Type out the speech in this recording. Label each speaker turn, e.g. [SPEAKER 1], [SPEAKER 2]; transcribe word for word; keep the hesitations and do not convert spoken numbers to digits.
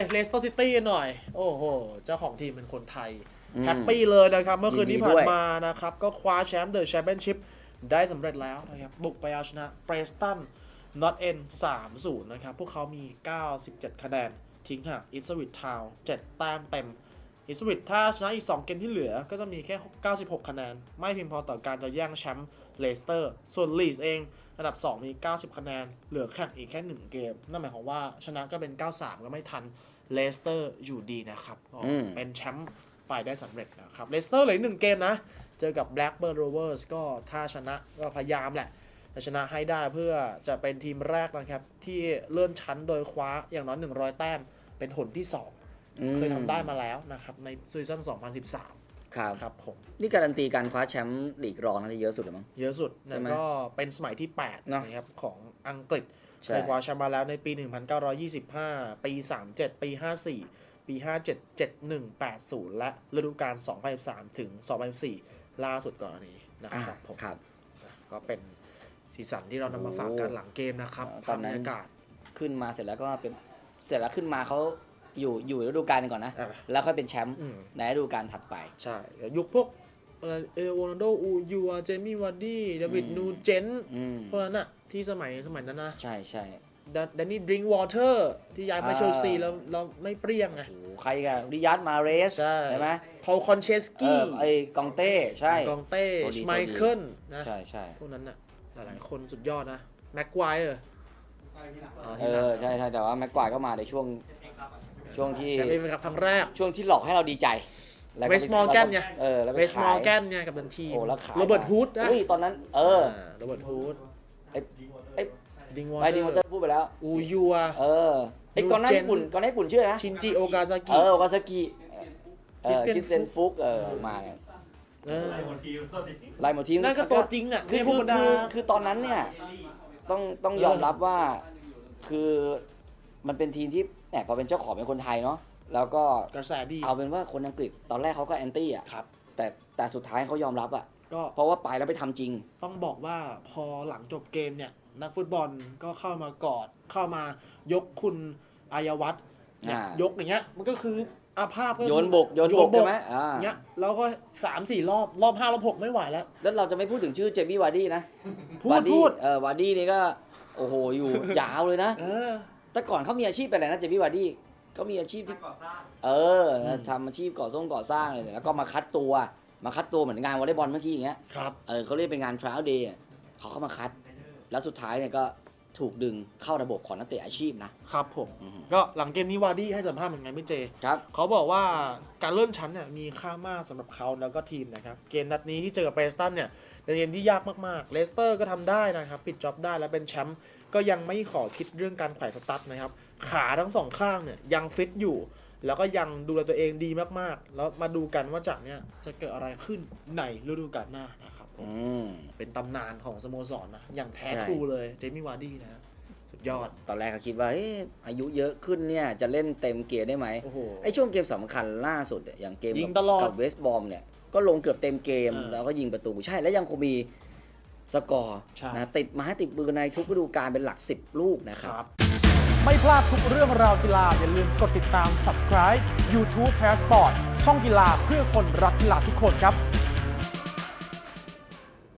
[SPEAKER 1] เลสเตอร์ซิตี้หน่อยโอ้โหเจ้าของทีมเป็นคนไทยแฮปปี้เลยนะครับเมื่อคืนที่ผ่านมานะครับก็คว้าแชมป์เดอะแชมเปี้ยนชิพได้สำเร็จแล้วนะครับบุกไปเอาชนะเบรสตันนอตเอ็น สามศูนย์ นะครับพวกเขามี เก้าสิบเจ็ด คะแนนทิ้งห่างอิสวิตทาวน์เจ็ดแต้มเต็มอิสวิตถ้าชนะอีกสองเกมที่เหลือก็จะมีแค่เก้าสิบหกคะแนนไม่เพียงพอต่อการจะแย่งแชมป์เลสเตอร์ส่วนลีดส์เองอันดับสองมีเก้าสิบคะแนนเหลือแข่งอีกแค่หนึ่งเกมนั่นหมายความว่าชนะก็เป็นเก้าสามก็ไม่ทันเลสเตอร์อยู่ดีนะครับเป็นแชมป์ไปได้สำเร็จนะครับเลสเตอร์เหลือหนึ่งเกมนะเจอกับ Blackburn Rovers ก็ถ้าชนะก็พยายามแหละจะชนะให้ได้เพื่อจะเป็นทีมแรกนะครับที่เลื่อนชั้นโดยคว้าอย่างน้อยหนึ่งร้อยแต้มเป็นหนที่สองเคยทำได้มาแล้วนะครับในซีซั่นสองพันสิบสาม
[SPEAKER 2] ครับ
[SPEAKER 1] ครับผม
[SPEAKER 2] นี่การันตีการคว้าแชมป์ลีกรองนั่นเยอะสุดเลยมั้ง
[SPEAKER 1] เยอะสุดนะก็เป็นสมัยที่แปดนะครับของอังกฤษเคยคว้าแชมป์มาแล้วในปี หนึ่งพันเก้าร้อยยี่สิบห้า ปี สามสิบเจ็ด ปี ห้าสิบสี่ ปี ห้าสิบเจ็ด เจ็ดสิบเอ็ด แปดสิบ และฤดูกาล สองพันสิบสาม ถึง สองพันสิบสี่ ล่าสุดก่อนนี้นะครับผม
[SPEAKER 2] ครับ
[SPEAKER 1] ก็เป็นสีสันที่เรานำมาฝากกันหลังเกมนะครับ
[SPEAKER 2] ตอนนั้น
[SPEAKER 1] บรรยากาศ
[SPEAKER 2] ขึ้นมาเสร็จแล้วก็เป็นเสร็จแล้วขึ้นมาเขาอยู่อยู่ฤดูกาลก่อนนะแล้วค่อยเป็นแชมป์ในฤดูกาลถัดไป
[SPEAKER 1] ใช่ยุคพวกเอโรนัลโดอูยูเจมี่วาร์ดี้เดวิดนูเจนพวกนั้นอะที่สมัยสมัยนั้นนะ
[SPEAKER 2] ใช่ใช่
[SPEAKER 1] แดนนี่ดริงก์วอเตอร์ที่ย้ายมาเชลซีแล้วเราไม่เปรี้ยงไง
[SPEAKER 2] ใครกันริยัตมาเรสใช่ไหม
[SPEAKER 1] พอลคอนเชสกี้
[SPEAKER 2] ไอกองเต้ใช่
[SPEAKER 1] กองเต้ไมเคิลนะ
[SPEAKER 2] ใช่ใช่
[SPEAKER 1] พวกนั้นอะหลายๆคนสุดยอดนะแม็กควายเออ
[SPEAKER 2] เออใช่ใช่แต่ว่าแม็กควายก็มาในช่วงช่วงที่
[SPEAKER 1] แชมป์เอฟเอครับครั้งแรก
[SPEAKER 2] ช่วงที่หลอกให้เราดีใจ
[SPEAKER 1] เวสต์มอร์แกนไง
[SPEAKER 2] เออแล้ว
[SPEAKER 1] เวสต์มอร์แกนไงกับทันที
[SPEAKER 2] โอ้แล้วขาย
[SPEAKER 1] โรเบิร์ตฮูดนะ
[SPEAKER 2] อุ้ยตอนนั้นเออ
[SPEAKER 1] โรเบิร์ตฮูด
[SPEAKER 2] ไอ้ไอ้
[SPEAKER 1] ดิงวอ
[SPEAKER 2] เตอร์ไอ้ดิงวอเตอร์พูดไปแล้ว
[SPEAKER 1] อูยูอะ
[SPEAKER 2] เออไอ้ก่อนหน้าญี่ปุ่นก่อนหน้าญี่ปุ่นชื่ออะไรนะ
[SPEAKER 1] ชินจิโอกาซากิ
[SPEAKER 2] เออโอกาซากิเออคริสเตียนฟุกเออมาเนี่ยไล่หมดทีม
[SPEAKER 1] นั่นก็ตัวจริงอ่ะ
[SPEAKER 2] คือคือคือตอนนั้นเนี่ยต้องต้องยอมรับว่าคือมันเป็นทีมที่แหมพอเป็นเจ้าของเป็นคนไทยเนาะแล้วก็
[SPEAKER 1] กระแสดี
[SPEAKER 2] เอาเป็นว่าคนอังกฤษตอนแรกเขาก็แอนตี้อ่ะ
[SPEAKER 1] ครับ
[SPEAKER 2] แต่แต่สุดท้ายเขายอมรับอ่ะ
[SPEAKER 1] ก็
[SPEAKER 2] เพราะว่าไปแล้วไปทำจริง
[SPEAKER 1] ต้องบอกว่าพอหลังจบเกมเนี่ยนักฟุตบอลก็เข้ามากอดเข้ามายกคุณอายวัฒน์ยกอย่างเงี้ยมันก็คืออาภาพก็
[SPEAKER 2] โยนบกโยนบกใช่ไหมอ่า
[SPEAKER 1] เงี้ยแล้วก็สามสี่รอบรอบห้ารอบหกไม่ไหวแล้ว
[SPEAKER 2] แล้วเราจะไม่พูดถึงชื่อเจมี่วาร์ดี้นะ
[SPEAKER 1] พูดพูด
[SPEAKER 2] เออวาร์ดี้นี่ก็โอ้โหอยู่ยาวเลยนะแต่ก่อนเขามีอาชีพเป็นอะไรนะเจมี่วาร์ดี้เขามีอาชีพที่เออทำอาชีพก่อสร้างก่อสร้างเลยแล้วก็มาคัดตัวมาคัดตัวเหมือนงานวอลเลย์บอลเมื่อกี้อย่างเงี้ย
[SPEAKER 1] ครับ
[SPEAKER 2] เออเขาเรียกเป็นงาน trial day เขาเข้ามาคัดแล้วสุดท้ายเนี่ยก็ถูกดึงเข้าระบบของนักเตะอาชีพนะครับ
[SPEAKER 1] ผมก็หลังเกมนี้วาร์ดี้ให้สัมภาษณ์เหมือนไงพี่เจ
[SPEAKER 2] ครับ
[SPEAKER 1] เขาบอกว่าการเลื่อนชั้นเนี่ยมีค่ามากสำหรับเขาแล้วก็ทีมนะครับเกมนัดนี้ที่เจอกับเบรสตันเนี่ยเป็นเกมที่ยากมากๆเลสเตอร์ก็ทำได้นะครับปิดจ็อบได้แล้วเป็นแชมป์ก็ยังไม่ขอคิดเรื่องการแขวนสตั๊ดนะครับขาทั้งสองข้างเนี่ยยังฟิตอยู่แล้วก็ยังดูแลตัวเองดีมากๆแล้วมาดูกันว่าจากเนี้ยจะเกิดอะไรขึ้นในฤดูกาลหน้านะครับเป็นตำนานของสโมสรนะอย่างแท้ทรูเลยเจมี่วาร์ดี้นะสุดยอด
[SPEAKER 2] ตอนแรกเขาคิดว่าอายุเยอะขึ้นเนี่ยจะเล่นเต็มเกียร์ได้ไหมไอ้ช่วงเกมสำคัญล่าสุดอย่างเกมกับเวสต์บอมเนี่ยก็ลงเกือบเต็มเกมแล้วก็ยิงประตูใช่แล้วยังคงมีสกอร์นะติดมาให้ติดมือในทุกฤดูกาลเป็นหลักสิบลูกนะครับ
[SPEAKER 1] ไม่พลาดทุกเรื่องราวกีฬาอย่าลืมกดติดตาม Subscribe YouTube Passport ช่องกีฬาเพื่อคนรักกีฬาทุกคนครับ